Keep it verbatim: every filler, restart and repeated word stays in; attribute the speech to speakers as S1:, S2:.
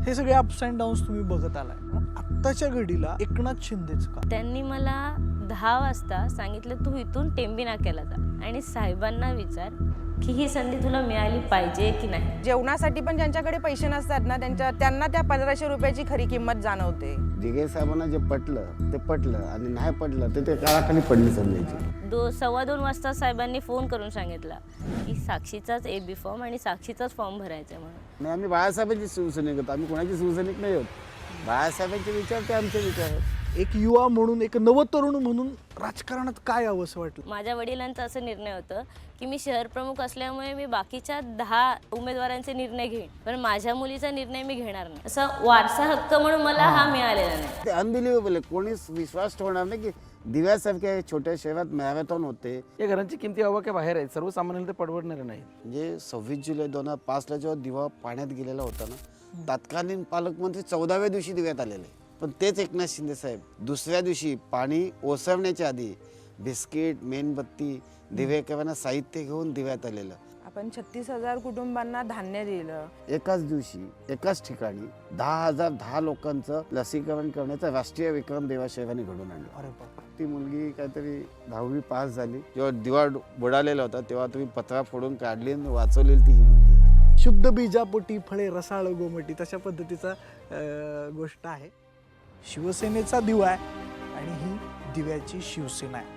S1: हे सगळे ups and downs तुम्ही बघत आलाय. मग आत्ताच्या घडीला एकनाथ शिंदेच का?
S2: त्यांनी मला दहा वाजता सांगितलं तू इथून टेंबी नाक्याला जा आणि साहेबांना विचार की ही संधी तुला मिळाली पाहिजे की नाही.
S3: जेवणासाठी पण ज्यांच्याकडे पैसे नसतात ना त्यांच्या त्यांना त्या पंधराशे रुपयाची खरी किंमत जाणवते.
S4: दिघे साहेबांना जे पटलं ते पटलं आणि नाही पटलं ते ते काळाखाली पडली समजायची.
S2: दो सव्वा दोन वाजता साहेबांनी फोन करून सांगितला की साक्षीचाच ए बी फॉर्म आणि साक्षीचाच फॉर्म भरायचा आहे म्हणून.
S4: आणि आम्ही बाळासाहेबांची शिवसैनिक होतो, आम्ही कोणाची शिवसैनिक नाही होत. बाळासाहेबांचे विचार ते आमचे विचार आहेत.
S1: एक युवा म्हणून, एक नवतरुण म्हणून राजकारणात काय यावं असं वाटलं?
S2: माझ्या वडिलांचा असं निर्णय होतं की मी शहर प्रमुख असल्यामुळे मी बाकीच्या दहा उमेदवारांचे निर्णय घेईन, पण माझ्या मुलीचा निर्णय मी घेणार नाही. असा वारसा हक्क म्हणून मला हा मिळालेला नाही.
S4: ते अनबिलिव्हेबल आहे. कोणीच विश्वास ठेवणार नाही की दिव्यासारख्या छोट्या शहरात मॅरेथॉन होते.
S5: या घरांची किमती आवाक्या बाहेर आहेत, सर्वसामान्यांना ते परवडणार नाही.
S4: म्हणजे सव्वीस जुलै दोन हजार पाचला जेव्हा दिवा पाण्यात गेलेला होता ना, तत्कालीन पालकमंत्री चौदाव्या दिवशी दिव्यात आलेले. पण तेच एकनाथ शिंदे साहेब दुसऱ्या दिवशी पाणी ओसरण्याच्या आधी बिस्किट, मेणबत्ती, दिवेकरांना साहित्य घेऊन दिव्यात आलेलं.
S3: आपण छत्तीस हजार कुटुंबांना धान्य दिलं.
S4: एकाच दिवशी एकाच ठिकाणी दहा हजार दहा लोकांचं लसीकरण करण्याचा राष्ट्रीय विक्रम देवाशेवाने घडून आणला.
S1: अरे बाप,
S4: ती मुलगी काहीतरी दहावी पास झाली. जेव्हा दिवा बुडालेला होता तेव्हा तुम्ही पत्रा फोडून काढली आणि वाचवलेली ती ही मुलगी.
S1: शुद्ध बीजापोटी फळे रसाळ गोमटी, तशा पद्धतीचा अं, गोष्ट आहे. शिवसेनेचा दिवा आहे आणि ही दिव्याची शिवसेना आहे.